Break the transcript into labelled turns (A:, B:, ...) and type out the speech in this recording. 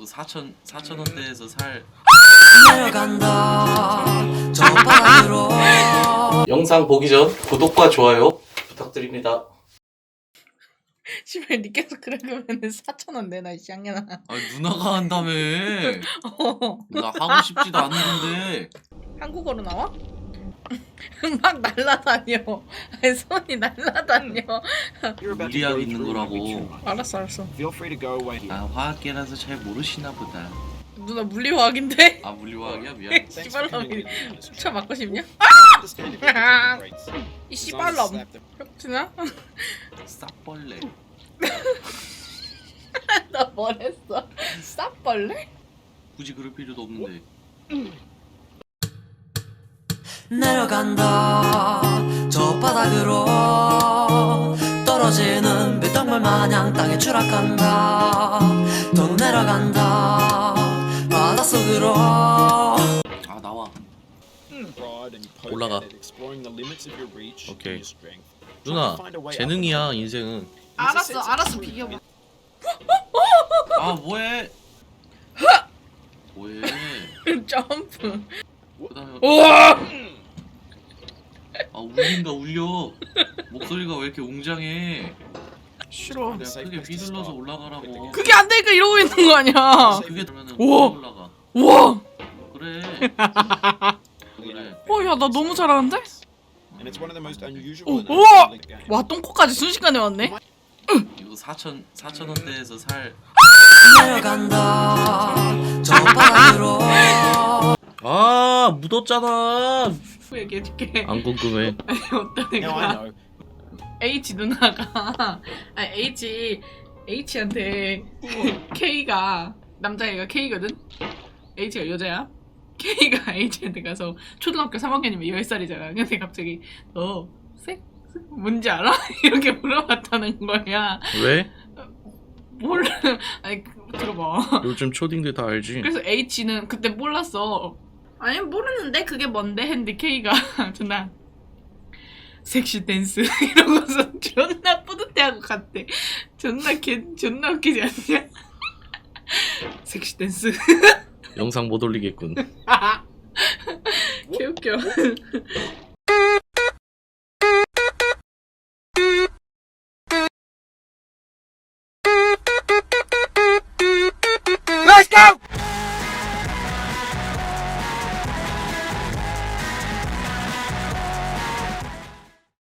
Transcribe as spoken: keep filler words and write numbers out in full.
A: 이거 사천 사천 원대에서 살. 영상 보기 전 구독과 좋아요 부탁드립니다.
B: 씨발 니 계속 그러면은 사천 원 내놔 이 쌍년아.
A: 아 누나가 한다며.
B: 어.
A: 나 하고 싶지도 않은데.
B: 한국어로 나와? 막 날라다녀. 아니, 손이 날라다녀.
A: 무리하게 있는 거라고.
B: 알았어 알았어.
A: 아 화학계라서 잘 모르시나 보다.
B: 누나 물리화학인데?
A: 아 물리화학이야? 미안.
B: 씨발놈이 쳐 맞고 싶냐? 이 씨발놈. 혁진아?
A: 싹벌레.
B: 나 뭐랬어? 쌉벌레?
A: 굳이 그럴 필요도 없는데.
C: 내려간다 저 바닥으로 떨어지는 빗덩굴 마냥 땅에 추락한다 더 내려간다 바닷속으로.
A: 아 나와. 올라가. 오케이. 누나 재능이야 인생은.
B: 알았어 알았어 비교봐.
A: 아 뭐해? 뭐해?
B: 점프.
A: 그다음에
B: 우와!
A: 아 울린다 울려. 목소리가 왜 이렇게 웅장해?
B: 싫어.
A: 내가 크게 휘둘러서 올라가라고.
B: 그게 안 되니까 이러고 있는 거 아니야.
A: 그게 되면은
B: 우와!
A: 올라가.
B: 우와!
A: 그래. 그래.
B: 어, 야, 나 너무 잘하는데?
D: 오,
B: 우와! 와, 똥꼬까지 순식간에 왔네?
A: 이거 사천 사천 원대에서 살.
C: 내려간다 저 바닥으로.
A: 아 묻었잖아.
B: 얘기해줄게.
A: 안 궁금해.
B: 아니, 어떤 애가 H 누나가 아니 H H한테 K가 남자애가 K거든? H가 여자야? K가 H한테 가서 초등학교 삼 학년이면 열 살이잖아. 근데 갑자기 너 섹스 뭔지 알아? 이렇게 물어봤다는 거야.
A: 왜?
B: 몰라. 아니 들어봐.
A: 요즘 초딩들 다 알지.
B: 그래서 H는 그때 몰랐어. 아니 모르는데 그게 뭔데 했는데 K가 존나 섹시 댄스 이러고서 존나 뿌듯해하고 갔대. 존나 개 존나 웃기지 않냐? 섹시 댄스.
A: 영상 못 올리겠군.
B: 개 웃겨.